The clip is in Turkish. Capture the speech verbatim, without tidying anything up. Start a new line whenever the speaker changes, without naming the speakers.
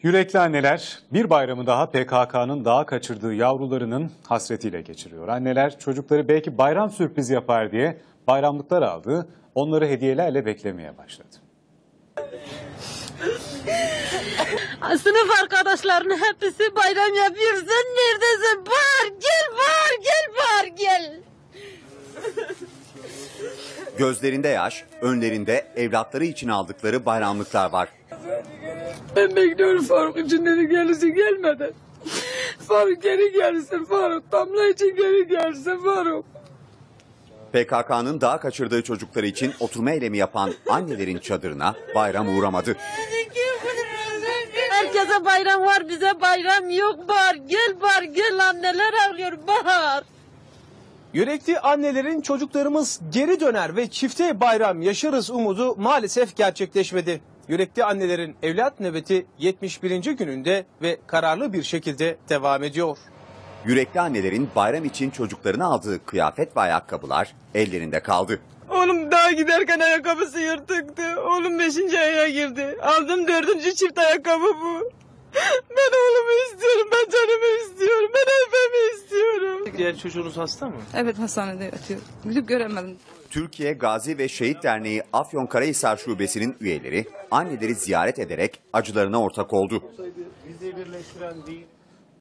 Yürekli anneler bir bayramı daha P K K'nın dağa kaçırdığı yavrularının hasretiyle geçiriyor. Anneler çocukları belki bayram sürprizi yapar diye bayramlıklar aldı, onları hediyelerle beklemeye başladı.
Sınıf arkadaşlarının hepsi bayram yapıyor. Sen neredesin? Bahar gel, Bahar gel, Bahar gel.
Gözlerinde yaş, önlerinde evlatları için aldıkları bayramlıklar var.
Ben bekliyorum Faruk için dedi gelirse gelmeden. Faruk geri gelsin Faruk. Damla için geri gelsin Faruk.
P K K'nın dağa kaçırdığı çocukları için oturma eylemi yapan annelerin çadırına bayram uğramadı.
Herkese bayram var, bize bayram yok. Bahar gel, Bahar gel, anneler ağlıyor Bahar.
Yürekli annelerin çocuklarımız geri döner ve çifte bayram yaşarız umudu maalesef gerçekleşmedi. Yürekli annelerin evlat nöbeti yetmiş birinci gününde ve kararlı bir şekilde devam ediyor.
Yürekli annelerin bayram için çocuklarına aldığı kıyafet ve ayakkabılar ellerinde kaldı.
Oğlum daha giderken ayakkabısı yırtıktı. Oğlum beşinci aya girdi. Aldım dördüncü çift ayakkabı bu. Ben oğlumu istiyorum, ben canımı istiyorum, ben evimi istiyorum.
Diğer çocuğunuz hasta mı?
Evet, hastanede yatıyor. Gidip göremedim.
Türkiye Gazi ve Şehit Derneği Afyonkarahisar Şubesi'nin üyeleri anneleri ziyaret ederek acılarına ortak oldu.
Bizi birleştiren değil.